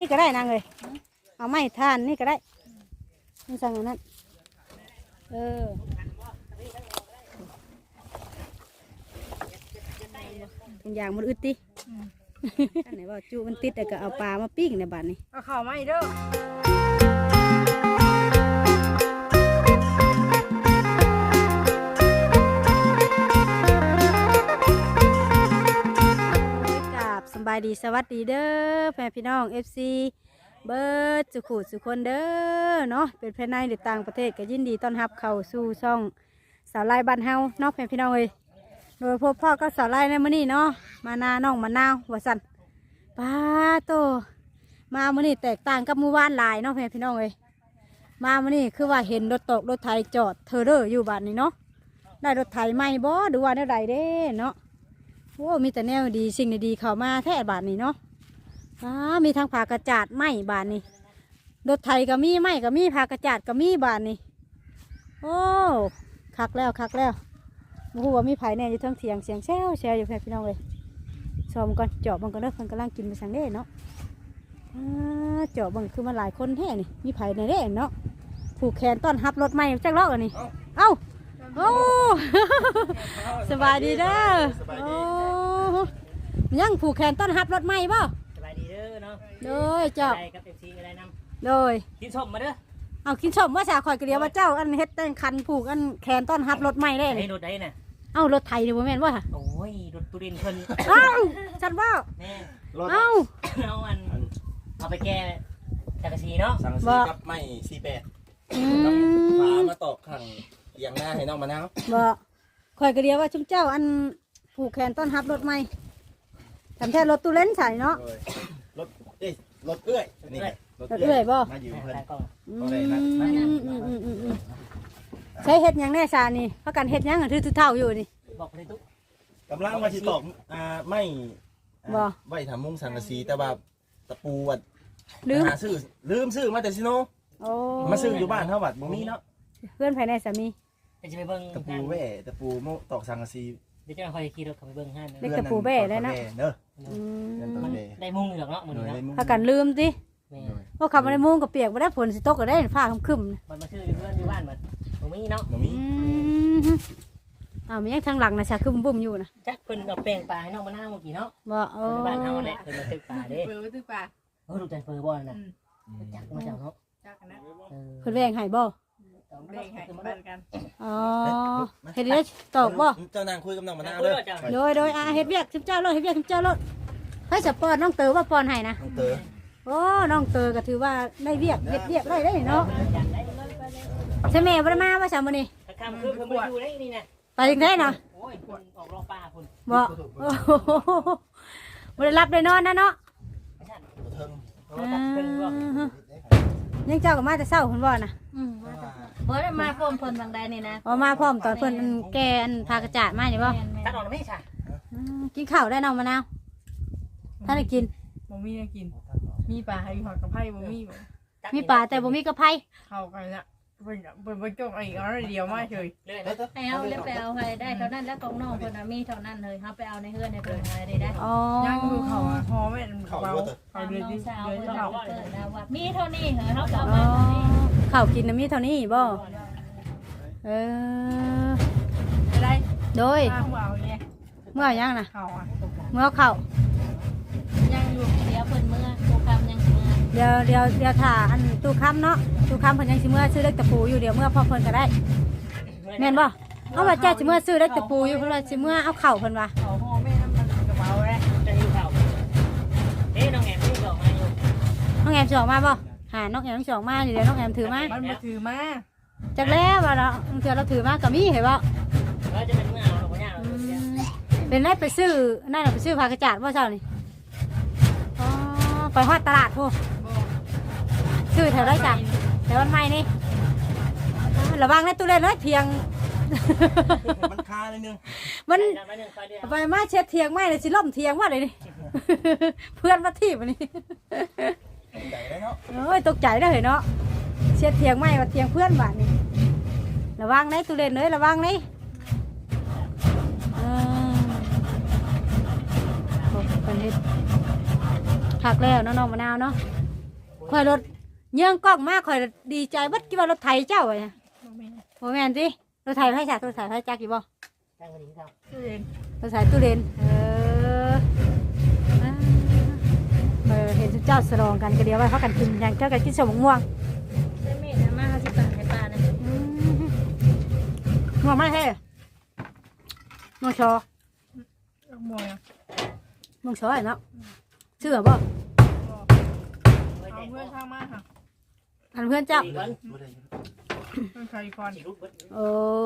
นี่ก็ได้นางเลยเอาไม้ทานนี่ก็ได้นี่สั่งอันนั้นเป็นอย่างมันอึดดิอันไหนว่าจูมันติดแต่ก็เอาปลามาปิ้งในบ้านนี้เอาข้าวมาอีกเด้สบายดีสวัสดีเด้อแฟนพี่น้อง FC เบิร์ดสุขุสุคนเด้อเนาะเป็นภายในหรือต่างประเทศก็ยินดีต้อนรับเข้าสู่ช่องสาวไล่บ้านเฮาเนาะแฟนพี่น้องเอ้ยโดยพบพ่อก็สาวไล่ในมื้อนี้เนาะมานาน้องมะนาวหัวสั่นป้าโตมามื้อนี้แตกต่างกับมื้อวานหลายเนาะแฟนพี่น้องเอ้ยมามื้อนี้คือว่าเห็นรถตกรถไถจอดเทอเด้ออยู่บ้านนี้เนาะได้รถไถใหม่บ่ดูว่าแนวใดเด้เนาะโอ้มีแต่แนวดีสิ่งดีๆเข้ามาแท้บาทนี้เนาะมีทั้งผากระจาดไม้บาทนี้รถไถก็มีไม้ก็มีผากระจาดก็มีบาทนี้โอ้คักแล้วคักแล้วโอ้โหว่ามีไผ่แน่อยู่ทั้งเถียงเสียงแซวแซวอยู่แค่พี่น้องเลยชมก่อนเจาะบังก่อนเด้อเพิ่นกำลังกินไปสังเด้เนาะเจาะบังคือมันหลายคนแท้นี่มีไผ่ในเด้เนาะผูกแขนต้อนรับรถใหม่จักรล้ออันนี้เอ้าโอ้ สบายดีเด้อโอ้ยังผูกแขนต้อนรับรถใหม่บ่สบายดีเด้อเนาะโดยเจ้าได้กับFCก็ได้นำโดยกินส้มมาเด้อเอากินชมว่าสาคอยกระเดียวว่าเจ้าอันเฮ็ดแต่งคันผูกอันแขนต้อนรับรถใหม่ได้เลยรถได้น่ะเอ้ารถไทยนี่บ่แม่นว่าโอ้ยรถตุรินเพิ่นเอ้าฉันว่าแม่เอ้าเอาอันเอาไปแก้จักรชีเนาะสังสีกับไม้48ต้องพามาตอกขังเอียงหน้าให้น้องมะนาวบ่คอยกระเดียวว่าชุมเจ้าอันผูกแขนต้อนรับรถใหม่ทำแท้รถตู้เล่นใส่เนาะรถรถเอื้อยนี่รถเอื้อยบ่มาอยู่เพิ่นใช้เฮ็ดยังแน่ชานี่เพราะกันเฮ็ดยังถือเท่าอยู่นี่บอกไปตุ๊กกำลังมาสิตอกไม่บ่ไว้ทำมุ้งสังกะสีแต่ว่าตะปูวัดลืมซื้อมาแต่ซิโนมาซื้ออยู่บ้านเท่าบัดบ่มีเนาะเพื่อนภายในสามีจะไปเบิ่งตะปูแว่ตะปูโมตอกสังกะสีเดี๋ยวจะคอยขี่รถเข้าไปเบิ่งให้เล็กตะปูแว่แล้วนะได้มุ้งอยู่หรอกเนาะมื้อนี้เนาะเพราะกันลืมสิเพราะขับมาในมุ้งกับเปียกบ่ได้ฝนสิตกก็ได้ฟ้าคึมๆมันมาซื้ออยู่เพื่อนอยู่บ้านบัดบ่มีเนาะบ่มีมันยังทางหลังนะชาคึมบุ่มอยู่นะจักเพิ่นเอาแป้งปลาให้น้องมะนาวเมื่อกี้เนาะบ่บ้านเฮาแหละเพิ่นมาตึกปลาเด้เพิ่นตึกปลาดูแต่เพิ่นบ่น่ะจักมาจากเนาะจักนะเพิ่นแวงให้บ่แบ่งให้เหมือนกันอ๋อเฮ็ดได้ตอกบ่เจ้านางคุยกับน้องมะนาวเด้อโดยเฮ็ดเวียกเจ้ารถเฮ็ดเวียกเจ้ารถให้สปอนน้องเต๋อว่าปอนให้นะน้องเต๋อโอ้น้องเต๋อก็ถือว่าได้เวียกเฮ็ดเวียกได้เนาะใช่แม่บ่ได้มาว่าซะมื้อนี้ค่ำคือเพิ่นบ่อยู่ได้นี่น่ะไปจังได๋น่ะโอ้ยเพิ่นออกรอบป่าพุ่นบ่บ่ได้รับได้นอนนะเนาะยังเจ้าก็มาแต่เช้าเพิ่นบ่น่ะเพิ่นมาพร้อมเพิ่นบางใดนี่นะมาพร้อมตอนเพิ่นแกอันพากระจาดมานี่บ่ตัดออกแล้วมั้ยค่ะกินข้าวได้น้องมะนาวท่านได้กินบ่มีได้กินมีปลาให้หอดกับไผ่บ่มีบ่มีปลาแต่บ่มีกระไผ่เข้ากันละเพิ่นจกอีกเอาเดียวมาเฉยไปเอาแล้วไปเอาให้ได้เท่านั้นแล้วของน้องเพิ่นมีเท่านั้นเลยเฮาไปเอาในเฮือนในเพิ่นอะไรได้อ๋อย่างคือเขาพอแม่เขาเดือนที่สาวเพิ่นเอาเพิ่นนะว่ามีเท่านี้เหรอเฮาเอามาเท่านี้ข้าวกินมีเท่านี้บ่อะไรโดยเมื่อยังน่ะเมื่อเข้ายังอยู่เดี๋ยวเพิ่นเมื่อตู้คำยังเมื่อเดี๋ยวถ่าอันตู้คำเนาะตู้คำเพิ่นยังสิเมื่อซื้อเล็กตะปูอยู่เดี๋ยวเมื่อพ่อเพิ่นก็ได้แม่นบ่เอาว่าเจ้าสิเมื่อซื้อเล็กตะปูอยู่เพิ่นว่าสิเมื่อเอาเข่าเพิ่นว่าเขาห่อแม่น้ำมันกระเป๋าแหละจะหิวข้าวน้องแอมสิออกมาอยู่น้องแอมสิออกมาบ่หาน้องแอมสิออกมาเดี๋ยวน้องแอมถือมามันบ่ถือมาจักแล้วว่าเราเถื่อเราถือมาก็มีเห็นบ่จะเป็นเมื่อเอาหรอกบ่ยากหรอกเป็นได้ไปซื้อนั่นน่ะไปซื้อผักกระจาดบ่เช้านี่อ๋อไปฮอดตลาดพูซื้อแถวได้จ้ะแถววันใหม่นี่ระวังในตู้เล่นเลยเทียงมันคาเลยนึงมันไปมาเช็ดเทียงไม่เลยสิล่มเทียงว่าเลยนี่เพื่อนมาที่วันนี้โอ้ยตกใจได้เหรอเนาะเช็ดเทียงไม่ว่าเทียงเพื่อนบ้านนี่ระวังในตู้เล่นเลยระวังนี่เป็นเฮ็ดผักแล้วน้องมะนาวเนาะข่อยรถเยื่องกล้องมากข่อยดีใจบัดคิดว่ารถไถเจ้าไงโมแมนสิรถไถไผจักรถไถไผจักกี่บ่ตั้งวันนี้ครับรถไถตู้เรนเห็นเจ้าสลองกันก็เดียวว่าเขากันกินอย่างเจ้ากันกินสมม่วงได้เม็ดนะมาเขาสิปังให้ป้านะม่วงไม่ใช่ม่วงชอมวยม่วงชอเนาะเชื่อบ่เอาเพื่อนข้างมาค่ะทันเพื่อนเจ้าสี่วันเพื่อนใครก่อนสี่รูปเบิดโอ้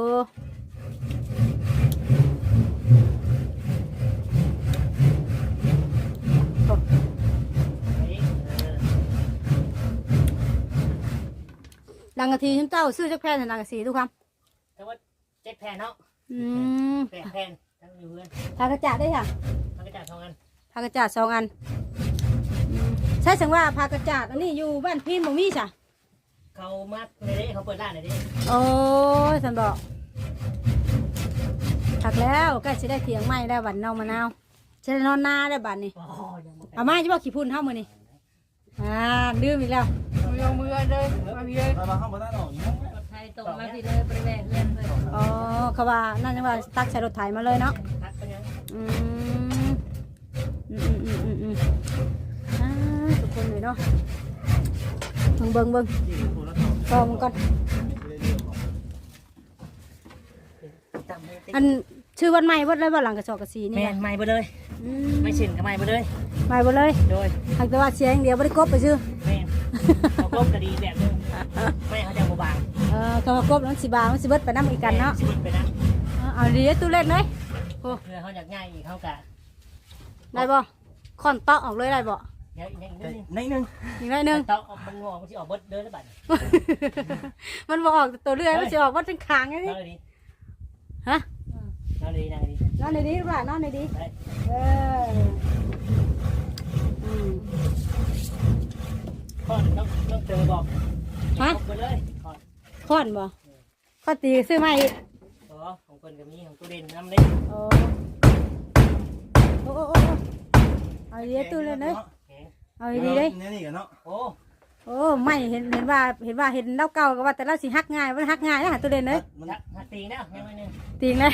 ดังกะทีฉันเจ้าซื้อจักแพนดังกะสีทุกคแต่ว่า7แผ่นเนาะำ 8แผ่นตั้งอยู่เพื่อนทากระจาดได้ค่ะมันก็จ่าย2อันทากระจาด2 อันใช่สังว่าพากระจาดอันนี้อยู่บ้านพี่บ่มีจ้ะเขามาเลยเขาเปิดร้านเลยดิโอ้ยสันบอกถักแล้วใกล้สิได้เถียงไม้ได้วบัดนองมะนาวจะได้นอนนาได้บัดนี่โอ้ยังบ่เอามาจะบอกขี้พุ่นเท่ามือนี่ลืมอีกแล้วมือเลยมาพี่เลยมาเข้ามาด้านออกอีกนะรถไทยตรงมาพี่เลยบริเวณเพื่อนเลยอ๋อเขาว่านั่นยังว่าตักใส่รถไถมาเลยเนาะทักไปยังอืมอ่าทุกคนเลยเนาะเบิ่งต่อมันก่อนจำได้อันชื่อวันใหม่วัดเลยว่าหลังกระสอบกระสีนี่แม่นะนใหม่ไปเลย ไม่ชินกับใหม่ไปเลยใหม่หมดเลยโดยหากแต่ว่าเสียงเดียวไม่ได้กบไปชื่อแม่นเขาก้มกระดีแบบนึงไม่เขาจะบางเขาว่ากบนั้นสิบามันสิเบิดไปน้ำอีกกันเนาะชีวิตไปนะเอาดีตู้เล่นเลยโอ้เพื่อเขาอยากง่ายอีกเขากะได้บ่ค่อนเตาะออกเลยได้บ่เดี๋ยวอีกนิดนึงในหนึ่งอีกหน่อยหนึงเตามันงอมันจะออกเบิดเดินแล้วบัดมันบ่ออกตัวเรื่อยมันสิออกว่าเป็นขางไงนนี่อนเลยดิฮะนอนเลยดินอนเลยดินอนในดีหรือเปล่านอนในดีเอออืมข้อต้องเจอบอกไปเลยข้อค่อนบ่ข้อตีซื้อมาอีกของคนกับนี้ของตู้เด่นน้ำเล็กโอ้โอ้เอาดีตู้เล่นเลยเอาดีเลยนี่กันเนาะโอ้โอ้ไม่เห็นว่าเห็นเล่าเก่าก็ว่าแต่เราสิฮักง่ายมันฮักง่ายนะตู้เล่นเลยหักตีนะยังไงนึงตีงเลย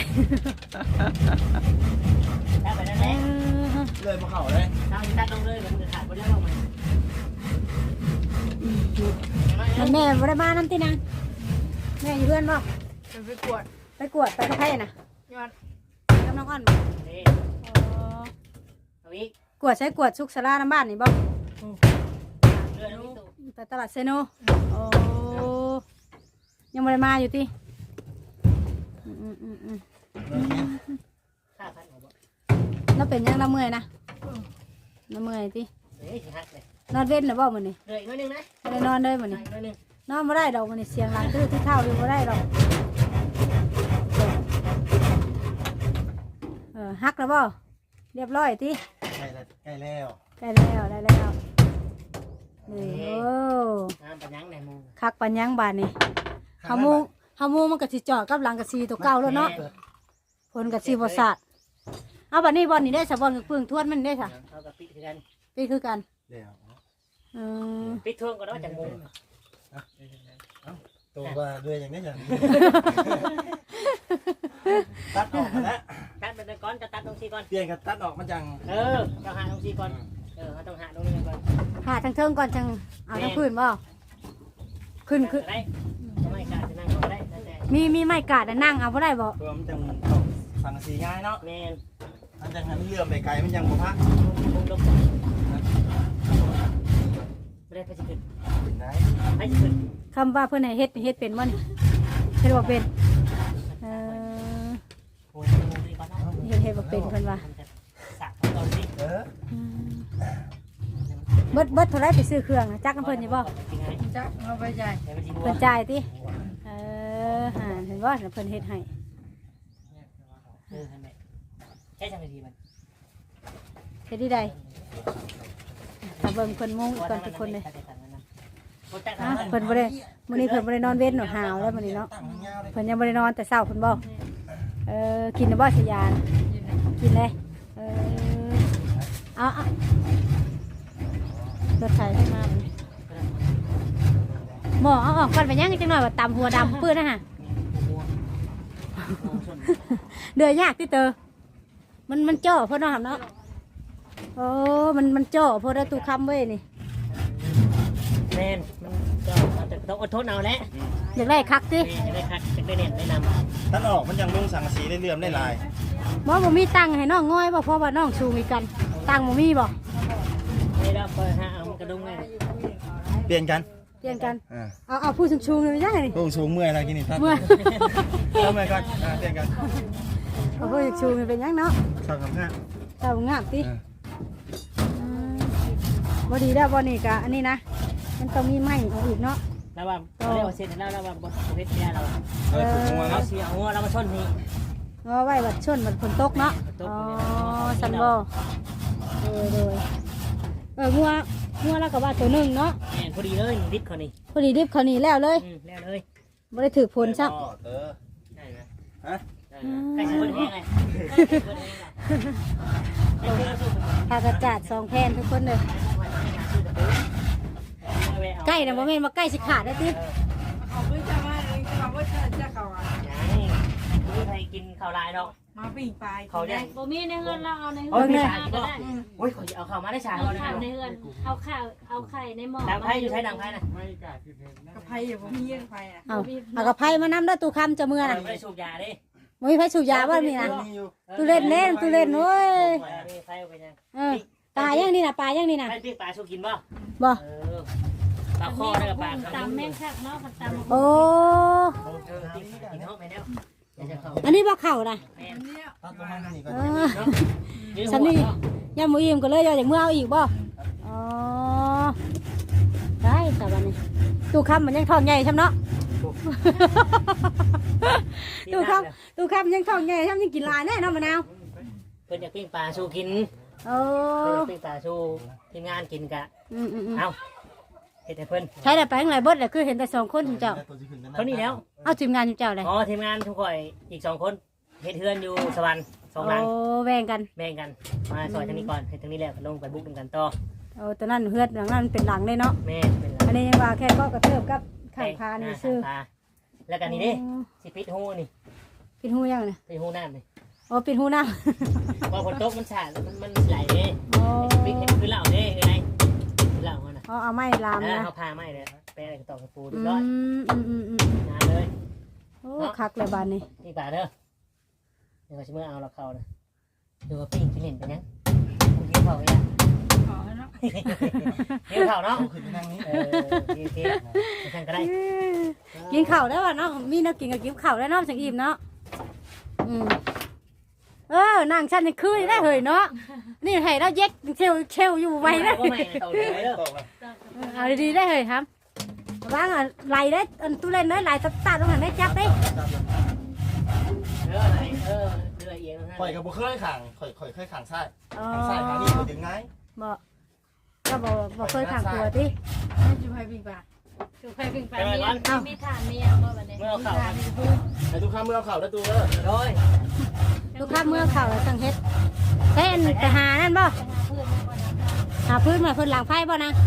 ถ้าไปนั่นแหละเลยมาเข่าเลยถ้าจะตัดลงเลยมันจะขาดไปได้บ้างไหมมันแม่บ่ได้มาน้ำตีนางแม่อยู่เพื่อนบ่จะไปกวดไปกวดไปกับใครน่ะยอดกับน้องอ้อนบ่นี่ เอาอีกกวดใช้กวดสุกสลาน้ำบ้านนี่บ่เรือนี้ตู้ไปตลาดเซโนโอ้ยังบ่ได้มาอยู่ติค่าพันหัวบ่เราเป็นยังเราเมื่อยนะเราเมื่อยติเฮ้ยหักเลยนอนเว้นหรือบ่มื้อนี้เรืออีกน้อยนึงนะบ่ได้นอนเลยมื้ออีนี้กน้อยนึงนอนบ่ได้ดอกมื้อนี้เสียงหลังตื้อที่เท้าอยู่บ่ได้ดอกฮักแล้วบ่เรียบร้อยติใกล้แล้วได้แล้วได้แล้วนี่โอ้น้ำปัญญังในมุงคักปัญญังบานนี่เฮามูมันก็สิจอดกับหลังกะซีตัวเก่าแล้วเนาะผลกะซีบ่สาดเอาบัดนี้บ่นี่ได้ซะบ่ปึ้งทวนมันได้ซะเขากับปิดกันนี่คือกันเดี๋ยวเออปิดท่วงก็ได้จากมุงตัวว่าด้วยอย่างนี้จ้ะตัดออกมาแล้วตัดเป็นก้อนจะตัดตรงซีก่อนเปลี่ยนกับตัดออกมาจังเราหาตรงซีก่อนเราต้องหาตรงนี้ก่อนหาทางเทิงก่อนจังเอาทางพื้นบ่ขึ้นได้ไม่กล้าจะนั่งก็ได้แต่มีไม้กาดอะนั่งเอาบ่ได้บ่ตัวมันจังสังสีง่ายเนาะแม่มันจังหันเลื่อมไปไกลมันยังบ่พักมุงลงไม่ได้ไปจะขึ้นเป็นไงไปจะขึ้นคำว่าเพิ่นให้เฮ็ดเป็นบ่นี่เฮ็ดบ่เป็นเออโอ้ยมุงดีก่อนเนาะเฮ็ดบ่เป็นเพิ่นว่าสักตอนนี้เบิดเท่าไรไปซื้อเครื่องนะจักน้ำเพิ่นอยู่บ่จักเอาไปจ่ายเพิ่นจ่ายติเห็นบ่เพิ่นเฮ็ดให้ใช่จังเลยดีมันเฮ็ดที่ใดถ้าเบิ่งเพิ่นมุงอีกก่อนทุกคนเลยเพิ่นบ่ได้มื้อนี้เพิ่นบ่ได้นอนเว้นหนวดหาวแล้วมื้อนี้เนาะเพิ่นยังบ่ได้นอนแต่เช้าเพิ่นบ่กินบ่สยานกินเลยเอารถไถขึ้นมาหมอเอาออกก่อนไปย่างจังหน่อยว่าตำหัวดำปื้นนะฮะเดือยยากที่เตอมันจ่อเพราะน้องเนาะโอ้มันจ่อเพราะได้ตู้คำเว้ยนี่แม่นมันก็ต้องอดทนเอาแหละอยากได้คักสิแม่จะได้คัดจะได้เน้นได้นท่านออกมันยังมุ่งสังกะสีได้เลื่อมได้ลายหมอบ่มีตังค์ให้น้องง่อยบ่เพราะว่าน้องชูมีกันตังค์บ่มีบ่ำไม่ได้เปิดหาเอามันกระดุมไงเปลี่ยนกันเปลี่ยนกันเอาผู้ชูเลยไม่ได้นี่พุ่งสูงเมื่อยแล้วกินนี่ท่านเมื่อเอาเมื่อยก่อนเปลี่ยนกันเอาผู้ชูมันเป็นยังเนาะสองสามห้าเจ้างามติบ่ดีแล้วบ่นี่กะอันนี้นะมันต้องมีไม้เอาอีกเนาะแล้วว่าเรียกว่าเสร็จแล้วแล้วว่าบทเพชรเนี่ยเราถูกงัวเราเนาะเสียหัวเรามาชนนี่เอาไว้บัดชนบัดฝนตกเนาะอ๋อสันบ่โดยงัวแล้วก็ว่าตัวหนึงเนาะแม่นพอดีเลยดิบเขานี่พอดีดิบเขาวนี่แล้วเลยแล้วเลยบ่ได้ถือผลซักเออได้ไหมฮะใกล้จะเปิดแห้งเลยพากระจาด2แผ่นทุกคนเลยใกล้นะบ่แม่นว่าใกล้สิขาดได้ติเอาไปจะมาเลยเขาว่าจะเขาอ่ะไม่ใครกินข้าวลายหรอกมาปิ้งปลาเขาเนี่ยบ่มีในเฮือนเราเอาในเฮืโอ้ยอนพี่มาชายก็ก็ได้โอ้ยเขาจะเอาข้าวมาได้ชายเอาเขาข้าวในเนี่ยเฮือนเอาข้าวเอาไข่ในหม้อดังไพ่อยู่ใช้ดังไพ่นะกระเพราอยู่บ่มีเรื่องไฟอ่ะเอากระไผมานำเด้อตู้คำจะเมื่อน่ะไม่ได้สูบยาดิบ่มีไผสูบยาบ่นี่นะมีอยู่ตู้เล่นเล่นตู้เล่นโอ้ยมีไฟเป็นยังปลาย่างนี่นะปลาย่างนี่นะไฟปีกปลาสูกินป่ะบ่ปลาคอได้กับปลาตำแม่งคักเนาะตำโอ้กินห้องไปแล้วจะเข้าอันนี้บ่เข้านะแม่อันเนี้ยตัดประมาณนี้ก่อนสันนี่ย่าหมูอิ่มก็เลยอยากเมื่อเอาอีกบ่อ๋อได้แต่วันนี้ตู้คำมันยังท้องใหญ่ช่ำเนาะตู้คำยังท้องใหญ่ช่ำยังกินหลายแน่เนาะมะนาวเพิ่นอยากปิ้งปลาสูกินโอ้เพิ่นอยากปิ้งปลาสูทีมงานกินกะเอาเฮ็ดให้เพิ่นใช้แต่ไปข้างไรเบิดเลยคือเห็นแต่2คนเจ้าเขานี่แล้วเอาทีมงานเจ้าเลยอ๋อทีมงานทุกคนอีก2คนเฮ็ดเฮือนอยู่สวรรค์2หลังโอ้แบ่งกันแบ่งกันมาซอยทางนี้ก่อนเฮ็ดทางนี้แล้วลงไปบุกกันต่อโอ้ตอนนั้นเฮือดหลังนั้นเป็นหลังเลยเนาะแม่เป็นอันนี้ยังว่าแค่ก็กระเทิบกับข้างคานี่ซื้อแล้วกันนี่เด้สิปิดหูนี่ปิดหูยังเนี่ยปิดหูน้ำนี่โอ้ปิดหูน้พอฝนตกมันสาดมันไหลเด้ำโอ้ปิดเห็นคือเหล่าเด้คือไงคือเหล่ามันน่ะเอาไม้ลามนะเขาพาไม่เลยไปอะไรต่อกับปูอืดูร้อยมงานเลยโอ้คักเลยบานนี้นี่ป่าเด้อเดี๋ยวชิเมื่อเอาเราเข้านะดูว่าปิ้งกินเห็นไปยังกูกินเผาเนี่ยขอเนาะกินเผาเนาะขึ้นไปนั่งนี้กินไปทางก็ได้กินข้าวได้ป่ะเนาะมีนักกินกับกินข้าวได้เนาะสังอิ่มเนาะนางฉันนี่คือได้เหยเนาะนี่ให้เราเย็ดเชลอยู่ไว้นะก็ไม่ต่อเลยเด้อเอาดีๆได้เหยครับว่างไหลได้ตู้เล่นได้ไหลตัดตรงนั้นได้จับได้อะไรเรือเอียงข่อยกับบุเคยขังข่อยเคยขังซ้ายขังซ้ายขังนี่ข่อยดึงง่ายบอกก็บอกเคยขังตัวที่ให้จูให้ปิ้งปลาคือไข่ปิ้งปลามีฐานมีอย่างบ่บัดนี้เมื่อเข้าไอ้ทุกข้ามเมื่อเข่าแล้วตัวเด้อโดยลูกค้าเมื่อเข่าสังเฮ็ดเต้นไปหานั่นบ่หาพื้นมาพื้นหลังไฟบ่นะ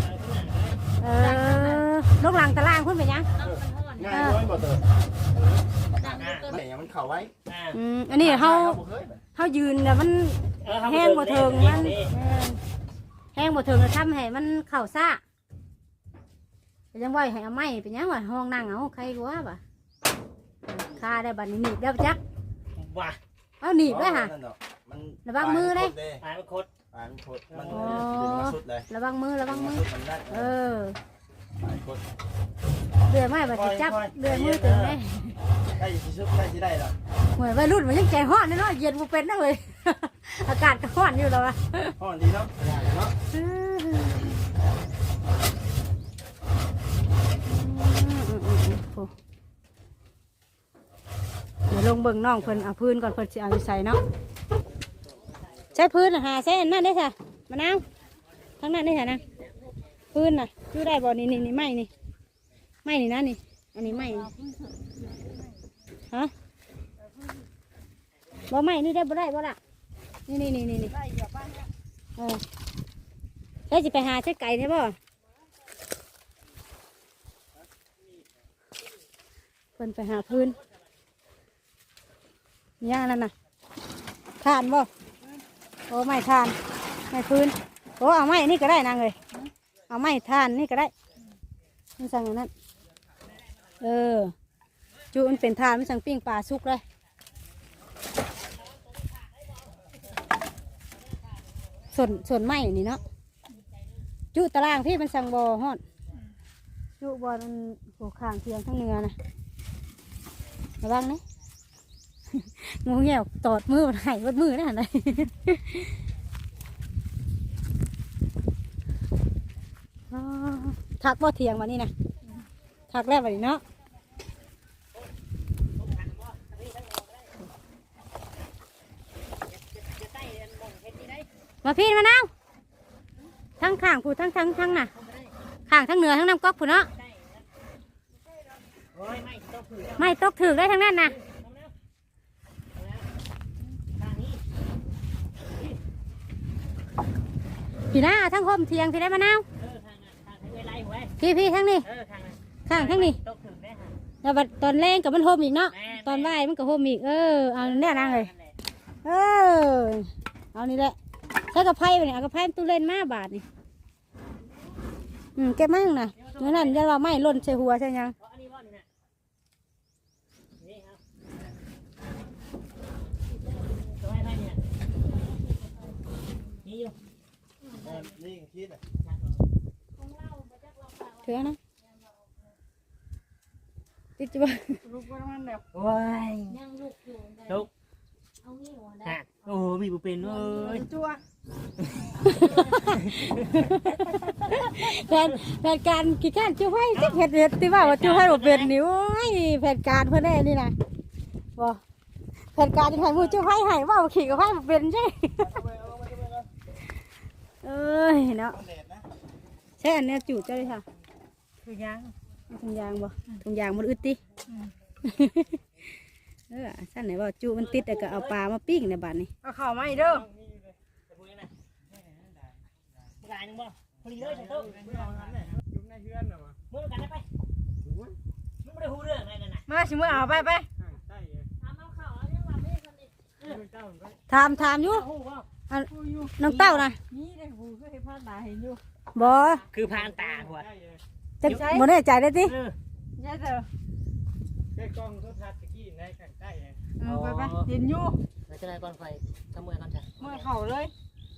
ลูกหลังตารางพื้นไปยังง่ายน้อยบ่เตอแม่ยังมันเข่าไว้อันนี้เขายืนแต่มันแห้งบ่เทิงมันแห้งบ่เทิงแล้วทำให้มันเข่าซ่าเป็นยังไหวให้เอาไม้เป็นยังวะห้องนั่งเอาใครกว่าบ่คาได้บัดนี้หนีบได้จักว้าเอาหนีบได้ค่ะ ระวังมือเลยตายมันโคตรตายมันโคตรมันดึงมาสุดเลยระวังมือมันเออตายโคตรเดือยไม้บัดสิจับเดือยมือตึงได้ใกล้จะชุบใกล้จะได้แล้วเหมือนวัยรุ่นมันยังใจฮ้อนเนาะเย็นบ่เป็นนะเว้ย อากาศก็ฮ้อนอยู่แล้วอะห้อนดีเนาะเนาะเดี๋ยวลงเบิ่งน้องเพิ่นเอาพื้นก่อนเพิ่นสิเอาไปใส่เนาะใช้พื้นหาใช้นั่นได้ค่ะมะนาวทั้งนั้นได้ค่ะนะพื้นน่ะคือได้บ่นี่ไม้นี่ไม้นี่นะนี่อันนี้ไม้ฮะบ่ไม้นี่ได้บ่ได้บ่ล่ะนี่ใช้สิไปหาใช้ไก่ใช่บ่เพิ่นไปหาพื้นย่างนั่นน่ะทานบ่โอ้ไม่ทานไม่พื้นโอ้เอาไม้นี่ก็ได้นางเลยเอาไม้ทานนี่ก็ได้มันสั่งอย่างนั้นจูมันเป็นทานมันสั่งปิ้งปลาสุกเลยส่วนไม้นี่เนาะจูตารางพี่มันสั่งบ่อฮอดจูบ่อมันหัวข้างเทียงทั้งเนื้อนะระวังนะงูเงี้ยวตอดมือมันหายวัดมือนะไหนทักบ่เทียงวันนี้นะทักแล้ววันนี้เนาะมาพี่มานั่งทั้งข้างผู้ทั้งน่ะข้างทั้งเหนือทั้งน้ำก๊อกผู้เนาะไม่ตกถือได้ทั้งนั้นนะพี่น้าทั้งห่มเทียงพี่ได้มะนาวพี่ทั้งนี้ข้างทั้งนี้แล้วตอนแรงกับมันห่มอีกเนาะตอนไหวมันก็ห่มอีกเอาเนี่ยนางเลยเอานี่แหละใช้กระไพ่ไปเนี่ยเอากระไพ่ตู้เล่นมาบาทนี่เก็บมั่งนะเมื่อนั้นจะว่าไม่ล่นใส่หัวใช่ยังเถื่อนะติดจีบลูกว่ามันแบบโอ้ยยังลูกอยู่ได้ลูกเอางี้หัวได้ฮะโอ้มีบุเป็นเว้ยจั่วแผนการกี่การจูให้สิเห็ดที่ว่าจูให้บ่เป็นนิ้วแผนการเพื่อนแน่นี่นะบ่แผนการที่ให้มือจูให้ว่าขี่กับให้บ่เป็นใช่เนาะใช่อันนี้จูเจ้าเลยค่ะคือยังถุงยางบ่ถุงยางมันอึดติสั้นไหนว่าจูมันติดแต่ก็เอาปลามาปิ้งในบ้านนี่เอาข่าวมาอีกเด้อลายนึงบ่พอดีเลยใช่ตุ๊กมือกันได้ไปมึงไม่ได้หูเรื่องอะไรนั่นน่ะมาชิมเอาไปถามอยู่หูบ่น้องเต้านะนี่ได้หูก็ให้พลาดตาเห็นอยู่บ่คือพานตาหัวจะบ่แน่ใจได้ตินี่เด้อแค่กล้องโทรทัศน์ตะกี้ในข้างใต้ไงไปเห็นอยู่แล้วจะได้ก่อนไฟทำมือก่อนจ้ะเมื่อเข่าเลย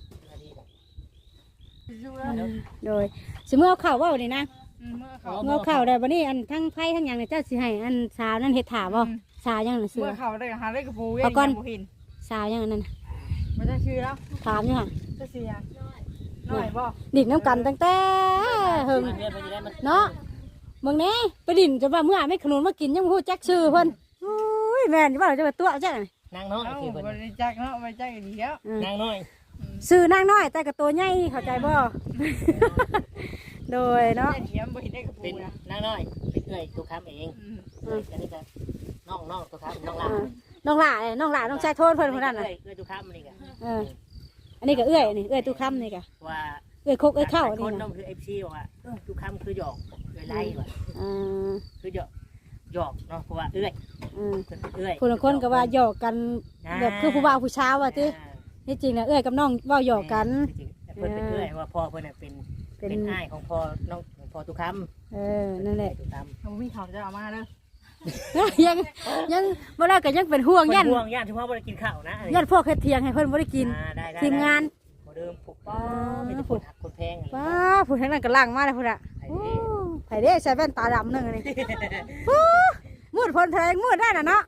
อยู่แล้วโดยสิเมื่อเอาข้าวว่านี่นะเมื่อเข่าเมื่อข้าวได้บ่นี่อันทั้งไผ่ทั้งหยังเนี่ยเจ้าสิให้อันสาวนั่นเฮ็ดถาบ่สาวยังน่ะเสืเมื่ออเข่าได้หาได้กระปูเว้ยเห็นสาวยังอันนั้นมันจะชื่อแล้วถามอยู่หั่นจะเสียหน่อยบ่ดินน้ำกันตั้งแต่เฮิงเนาะมึงแน่ไปดินจะว่าเมื่อไม่ขนุนมากินยังบ่ฮู้จักชื่อเพิ่นอุ้ยแม่นอยู่บ่เราจะมาตัวจังนางน้อยเอ้าคือเพิ่นบริจักเนาะบริจักดีแล้วนางน้อยซื้อนางน้อยแต่กับตัวใหญ่เข้าใจบ่ โดยเนาะได้เทียมบ่เห็นได้กระปูเป็นนะนางน้อยเป็นเอื้อยตัวค้ำเองอันนี้ก็น้องตัวค้ำน้องหลานน้องหล่าน้องชายโทษเพิ่นคนนั้นน่ะเอื้อยตัวค้ำนี่ก็อันนี้ก็เอื้อยนี่เอื้อยตู้ค้ำนี่ก็ว่าเอื้อยคกเอื้อยเข้าคนี่นน้นะองคือ FC บอกว่าตัวค้ำคือหยอกเอื้อยไล่ว่ะ คือหยอกเนาะเพราะว่าเอื้อยเอื้อยคนละคนก็ว่าหยอกกันแบบคือผู้บ่าวผู้ชายว่าติที่จริงน่ะเอื้อยกับน้องเว้าหยอกกันเพิ่นเป็นเอื้อยว่าพ่อเพิ่นน่ะเป็นอ้ายของพ่อน้องของพ่อตุค้ำนั่นแหละตุค้ำเขามีข่าวจะเอามาเด้อยังบ่ได้ก็ยังเป็นห่วงยันห่วงญาติที่พ่อบ่ได้กินข้าวนะยันพวกเฮ็ดเถียงให้เพิ่นบ่ได้กินได้ทีมงานบ่เดิมผูกป้อมีแต่คนหักคนแพงป้าผู้ทั้งนั้นก็ล่างมาแล้วพุ่นน่ะไผเด้ใส่แว่นตาดำนึงนี่มืดพ้นแทงมืดได้น่ะเนาะ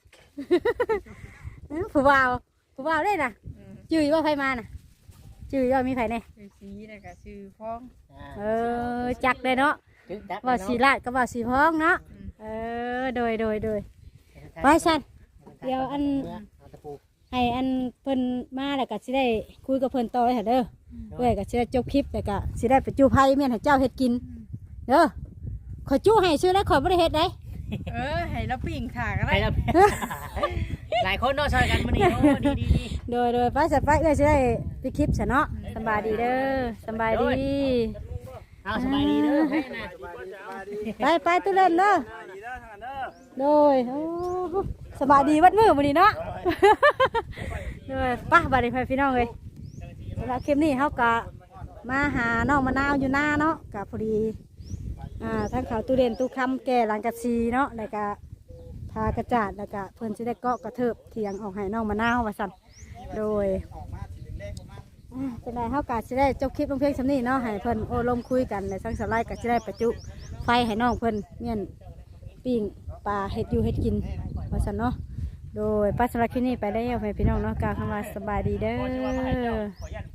ผู้บ่าวได้น่ะจื้อว่าไผมาน่ะจื้อว่ามีไผแน่ชื่อสีนะก็ชื่อพ้องจักได้เนาะว่าสีลาดก็ว่าสีพ้องเนาะโดยไว้ซั่นเดี๋ยวอันให้อันเพิ่นมาแล้วก็สิได้คุยกับเพิ่นต่อให้เด้อเอ้ยก็สิได้จบคลิปแล้วก็สิได้ไปจูไผแม่นให้เจ้าเฮ็ดกินเด้อขอยจูให้ซื้อแล้วขอยบ่ได้เฮ็ดได้ให้เราปิ่งขากันไปได้แล้วหลายคนเนาะช่วยกันมื้อนี้โอ้ดีโดยไปสัตว์ไปเอ้ยสิได้ไปคลิปซะเนาะสำบายดีเด้อสำบายดีเอาสบายดีเด้อให้นะไปตู้เล่นเด้อดีเด้อทางนั้นเด้อโดยโอ้สบายดีวัดมือวันนี้เนาะ โดยป้าบาดีพี่น้องเลยสำหรับคลิปนี้เขากะมาหาน้องมะนาวอยู่หน้าเนาะกะพอดีทั้งเขาตู้เด่นตู้คำแก่หลังกะซีเนาะแล้วก็พากระจาดแล้วก็เพิ่นจะได้เกาะกระเทิบเถียงออกให้น้องมะนาวว่าสั่นโดยจะได้เขากะจะได้จบคลิปลงเพียงสำนี้เนาะให้เพิ่นโอ้ลมคุยกันในสังสารไลก็จะได้ประจุไฟให้น้องเพิ่นเนี่ยปิ้งปลาเห็ดอยู่เห็ดกินว่าสั่นเนาะโดยป้าสำหรับคลิปนี้ไปได้เอาไปพี่น้องเนาะกล่าวคำว่าสบายดีเด้อ